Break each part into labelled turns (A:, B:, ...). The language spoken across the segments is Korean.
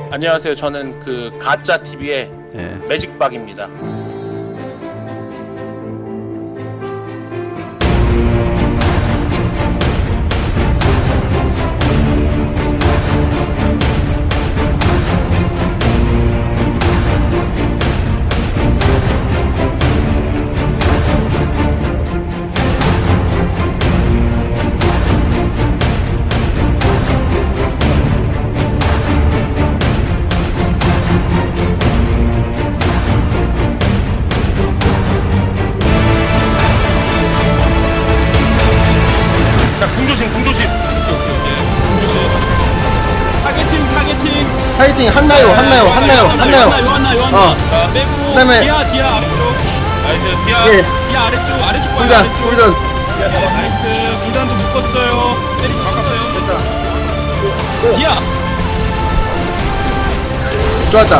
A: 안녕하세요. 저는 그 가짜 TV의
B: 예.
A: 매직박입니다. 자, 궁조심. 타겟팅.
B: 파이팅 한나요.
C: 빼고
B: 그다음에-
C: 디아 아래쪽.
A: 나이스, 디아.
B: 예.
C: 디아 아래쪽 봐요.
B: 굴단
C: 아래쪽.
B: 굴단.
C: 나이스. 굴단도 묶었어요. 때리고 바꿨어요.
B: 됐다.
C: 디아.
B: 좋았다.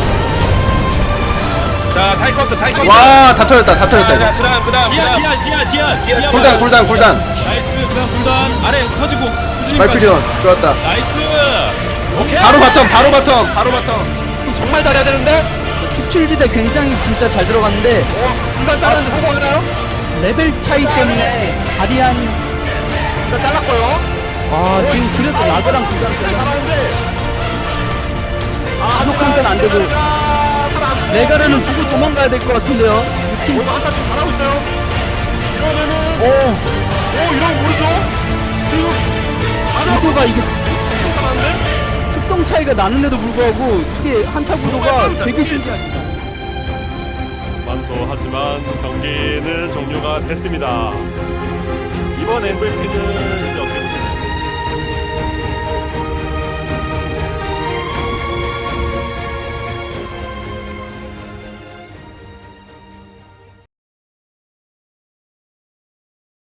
A: 자, 타이커스.
B: 와, 다 터졌다.
A: 자, 그다음.
C: 디아.
B: 굴단.
C: 나이스. 그다음 굴단 아래 터지고.
B: 말피리온 좋았다.
C: 나이스.
A: 오케이.
B: 바로 바텀.
A: 정말 잘해야 되는데.
D: 축출지대 굉장히 진짜 잘 들어갔는데
A: 이건 자르는데 성공하나요?
D: 레벨 차이 때문에 바리안
A: 자, 잘랐고요.
D: 지금 그래도 라그랑 굴단
A: 잘하는데.
D: 부족한 건 안 되고 레가르는 주고 도망가야 될 것 같은데요. 팀
A: 한타 지금 잘하고 있어요. 이러면은 이러면 모르죠. 지금
D: 구도가 이게
A: 잘하는데.
D: 특성 차이가 나는데도 불구하고 이게 한타 구도가 되게 신기합니다.
E: 하지만 경기는 종료가 됐습니다. 이번 MVP는